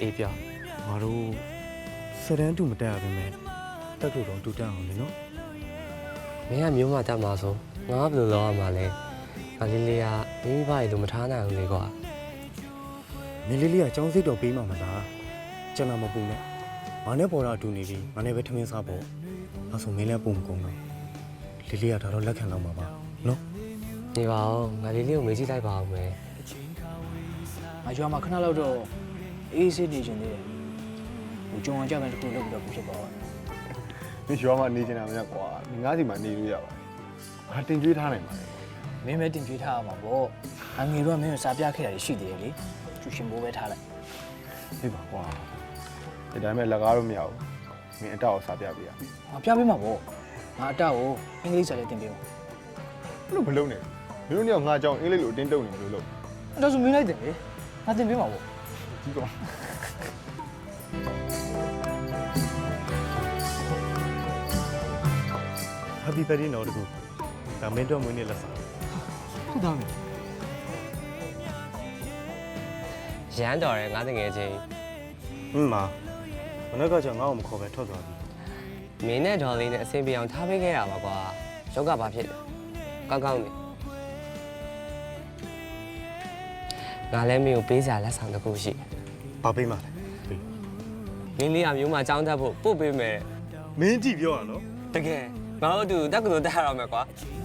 အေးပြငါတို့စတန်းတူမတက်ရပါမယ်တက်လို့တော့တူတက်အောင်လေနော်မင်းကမျိုးမတတ်မှာဆိုငါဘယ်လိုလုပ်ရမှာလဲငါလေးလေးကမိမိဘာရီလို့မထားနိုင်ဘူးလေကွာမင်းလေးလေးကចောင်းစိတ်တော့ပေးမှာမလားကျွန်တော်မပူနဲ့ငါနဲ့ပေါ်တာအတူနေပြီငါနဲ့ပဲထမင်းစားဖို့အဲဆိုမင်းလည်းပုံမကုန်တော့လေးလေးကဒါတော့လက်ခံတော့မှာပါနော်နေပါဦးငါလေးလေးကိုမေးကြည့်လိုက်ပါဦးမယ်ငါရွာမှာခဏလောက်တော့အေးဆေးနေချင်သေးတယ်ဟိုကြုံအောင်ကြမယ်တခုလုပ်ပြီးတော့ဖြစ်ပါတော့你学嘛？你今天没挂，你俺就嘛你都要吧？还定居他呢嘛？ မင်းပဲတင်ကြွေးထားရမှာပေါ့အငယ်တော့မင်းကိုစားပြခဲ့တာရှိသေးတယ်လေကျူရှင်ဘိုးပဲထားလိုက်对吧？挂，这咱们那个都没有，明天我啥别别。 ငါပြပေးမှာပေါ့ငါအတက်ကိုအင်္ဂလိပ်စာလေးတင်ပေးမှာ那不漏呢？你说你要俺讲英语路顶斗呢，不漏。 အဲ့ဒါဆိုမင်းလိုက်တယ်လေငါတင်ပေးမှာပေါ့你讲。 Happy birthday နော်တကူဒါမင်းတို့မွေးနေ့လက်ဆောင်ဟုတ်သားမယ်ရမ်းတော်တယ်ငါတငယ်ချင်းမနက်ကကြောင့်ငါ့ကိုမခေါ်ပဲထွက်သွားပြီမင်းနဲ့ဒေါ်လေးနဲ့အဆင်ပြေအောင်ထားပေးခဲ့ရပါကွာရောက်ကဘာဖြစ်လဲကောင်းကောင်းနေငါလည်းမင်းကိုပေးစရာလက်ဆောင်တစ်ခုရှိဘာပေးမှလဲလေးလေးကမျိုးမចောင်းတတ်ဖို့ပို့ပေးမယ်မင်းကြည့်ပြောရနော်တကယ်ငါတို့အတူတက္ကသိုလ်တက်ရအောင်မယ်ကွာဟ